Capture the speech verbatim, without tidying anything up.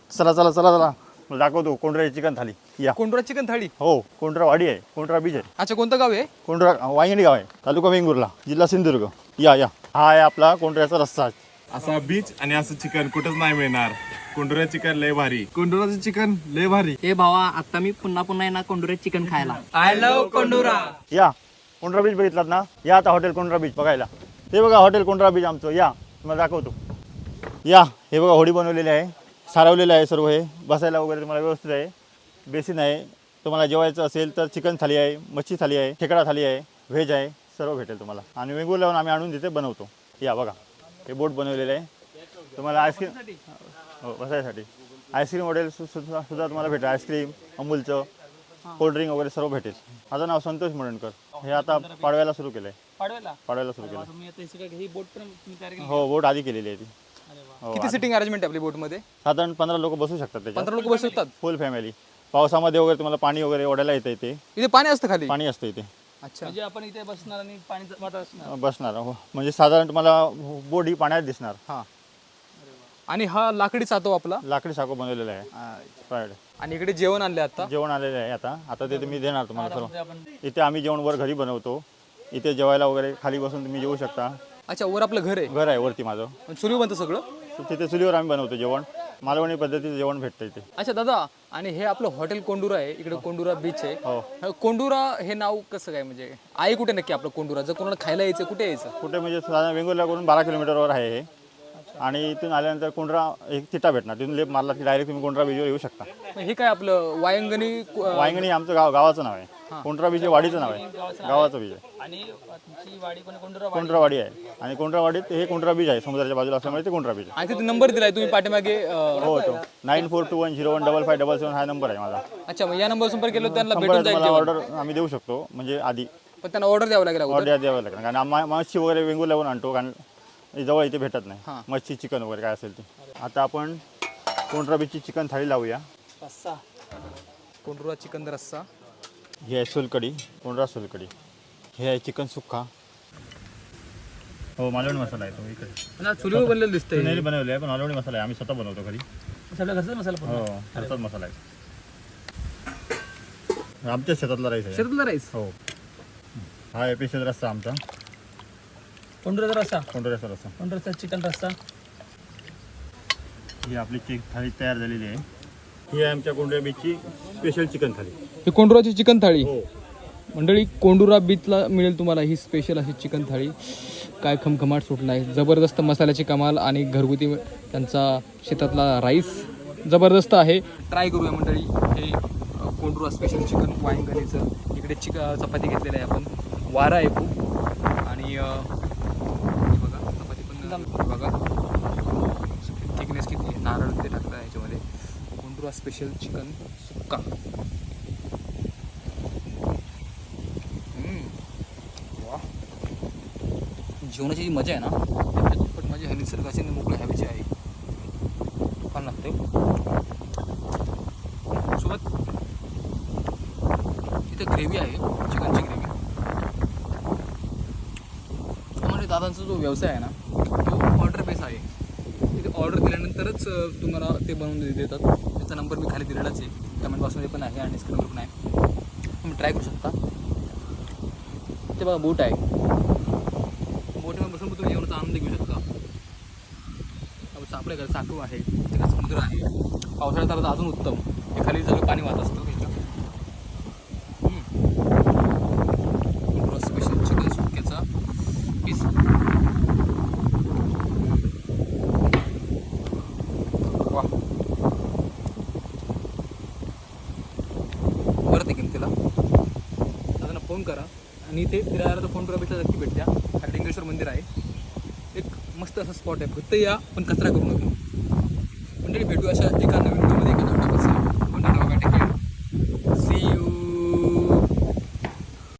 चला चला चला चला मला दाखवतो कोंढरा चिकन थाली या. कोंढरा चिकन थाळी. हो कोंढरा वाडी आहे, कोंढरा बीच आहे. अच्छा, कोणतं गाव आहे? कोंढरा वांगणी गाव आहे, तालुका वेंगुर्ला, जिल्हा सिंधुदुर्ग. या या हा आहे आपला कोंढऱ्याचा रस्सा. असा बीच आणि असं चिकन कुठंच नाही मिळणार. कोंढरा चिकन लय भारी, कोंढराचं चिकन लय भारी. ए भावा, आता मी पुन्हा पुन्हा येणार कोंडुरे चिकन खायला. I love Kondhura. या कोंढरा बीच बघितलात ना, या आता हॉटेल कोंढरा बीच बघायला. ते बघा हॉटेल कोंढरा बीच आमचं. या तुम्हाला दाखवतो. या हे बघा होडी बनवलेली आहे, सारवलेलं आहे सर्व. हे बसायला वगैरे तुम्हाला व्यवस्थित आहे. बेसिन आहे. तुम्हाला जेवायचं असेल तर चिकन थाली आहे, मच्छी थाली आहे, खेकडा थाली आहे, व्हेज आहे, सर्व भेटेल तुम्हाला. आणि वेंगुर्ल्याहून आम्ही आणून तिथे बनवतो. या बघा हे बोट बनवलेलं आहे. तुम्हाला आईस्क्रीम हो बसायसाठी आईस्क्रीम वगैरे सु सुद्धा सुद्धा तुम्हाला भेटेल. आईस्क्रीम, अमूलचं, कोल्ड्रिंक वगैरे सर्व भेटेल. माझं नाव संतोष मुरणकर. हे आता पाडव्याला सुरू केलं आहे. पाडव्याला पाडव्याला सुरू केलं. तुम्ही आता हे सगळं ही बोट पण तुम्ही तयार केली? हो बोट आधी केलेली आहे ती. हो, किती सिटिंग अरेंजमेंट आहे आपली बोट मध्ये? साधारण पंधरा लोक बसू शकतात त्याच्यात. पंधरा लोक बसू शकतात. Full family. पावसामध्ये वगैरे तुम्हाला पाणी वगैरे ओढायला येतं इथे. इथे पाणी असतं खाली? पाणी असतं इथे. अच्छा, म्हणजे आपण इथे बसणार आणि पाणी वाटत असणार. बसणार हो. म्हणजे साधारण तुम्हाला बोट ही पाण्यात दिसणार. हा. आणि हा लाकडी चातो आपला लाकडी साको बनवलेला आहे फ्रायड. आणि इकडे जेवण आणले आता. जेवण आलेलं आहे आता. आता ते तुम्ही देणार तुम्हाला सर्व. इथे आम्ही जेवण वर घरी बनवतो. इथे जेवायला वगैरे खाली बसून तुम्ही जेवू शकता. अच्छा, वर आपलं घर आहे? घर आहे वरती माझं. चुलीवर बनतं सगळं? तिथे चुलीवर आम्ही बनवतो जेवण. मालवणी पद्धतीचं जेवण भेटतं इथे. अच्छा दादा, आणि हे आपलं हॉटेल कोंडुरा आहे, इकडे कोंडुरा बीच आहे. हो. कोंडुरा हे नाव कसं काय, म्हणजे आहे कुठे नक्की आपलं कोंडुरा? जर कोणाला खायला यायचं कुठे यायचं? कुठे म्हणजे साधारण वेंगुर्ल्याकडून बारा किलोमीटरवर आहे हे. आणि इथून आल्यानंतर कोंढरा एक तिटा भेटणार. तिथून लेप मारला की डायरेक्ट तुम्ही कोंढरा बीचवर येऊ शकता. हे काय आपलं वायंगणी? वायंगणी आमचं गाव गावाचं नाव आहे. कोंढरा बीच हे वाडीचं नाव आहे, गावाचं बीच आहे. आणि तुमची वाडी पण कोंडुरा कोंढरावाडी आहे. आणि कोंढरावाडीत हे कोंढरा बीच आहे, समुद्राच्या बाजूला असल्यामुळे ते कोंढरा बीच आहे. आणि तिथे नंबर दिलाय तुम्ही पाठीमागे? अं, हो तो nine four two one zero one double five double seven हा नंबर आहे माझा. अच्छा, मग या नंबर संपर्क केलं तर त्यांना नंबर भेटून जाईल तुम्हाला जेवण? ऑर्डर आम्ही देऊ शकतो. म्हणजे आधी पण त्यांना ऑर्डर द्यावं लागेल अगोदर? ऑर्डर द्यावं लागेल. कारण आम्हा मच्छी वगैरे वेंगुर्ल्याहून आणतो, कारण जवळ इथे भेटत हां. नाही. मच्छी, चिकन वगैरे काय असेल ते. आता आपण कोंढरा बीचची चिकन थाळी लावूया. रस्सा. कोंडुरा चिकन रस्सा. ही आहे सोलकढी, कोंढरा सोलकढी. हे आहे चिकन सुक्का. हो मालवणी मसाला आहे तो इकडे. चुलीवर बनलेलं दिसतंय. नाही बनवले आहे, पण मालवणी मसाला आहे. आम्ही स्वतः बनवतो घरी. सगळं घरचाच मसाला पण. हो घरचाच मसाला आहे. आमच्या शेतातला राईस आहे. शेतातला राईस? हो. हा आहे स्पेशल रस्सा आमचा, कोंडुराचा रस्सा. कोंढऱ्याचा रस्सा. कोंडुराचा चिकन रस्सा. ही आपली चिक थाळी तयार झालेली आहे. ही आहे आमच्या कोंढरा बीचची स्पेशल चिकन थाळी. ही कोंडुराची चिकन थाळी. हो. मंडळी, कोंडुरा बीचला मिळेल तुम्हाला ही स्पेशल अशी चिकन थाळी. काय खमखमाट सुटला आहे. जबरदस्त मसाल्याची कमाल आणि घरगुती त्यांचा शेतातला राईस जबरदस्त आहे. ट्राय करूया मंडळी हे कोंडुरा स्पेशल चिकन वायंगणीचं. इकडे चिक चपाती घेतलेली आहे आपण. वारा आहे खूप. आणि हे बघा चपाती पण बघा थिकनेस किती. नारळ ते टाकतं ह्याच्यामध्ये. कोंडुरा स्पेशल चिकन सुक्का. वा, जेवणाची जी मजा आहे ना, त्याच्या दुप्पट मजा ह्या निसर्गाची मोकळ्या हवेची आहे. छान लागते. सोबत इथे ग्रेव्ही आहे, चिकनची ग्रेव्ही. म्हणजे दादांचा जो व्यवसाय आहे ना, तो ऑर्डर बेस आहे. तिथे ऑर्डर दिल्यानंतरच तुम्हाला ते बनवून देतात. त्याचा नंबर मी खाली दिलेलाच आहे, कमेंट बॉक्समध्ये पण आहे आणि स्क्रीनवर पण आहे. तुम्ही ट्राय करू शकता. ते बघा बोट आहे. बोटीमध्ये बसून तुम्ही जेवणाचा आनंद घेऊ शकता. आपल्या घरात साठू आहे, तिकडे समुद्र आहे. पावसाळ्यात तर अजून उत्तम. हे खाली सगळं पाणी वाहत असतं. स्पेशल चिकन सुक्क्याचा पीस. वा, परत येईल तिला. दादांना फोन करा आणि ते फिरायला तर फोन करा, भेटला नक्की भेट द्या. हरलिंगेश्वर मंदिर आहे. एक मस्त असा स्पॉट आहे. फक्त या, पण कचरा करू नका. मंडळी, भेटू अशा एका नवीन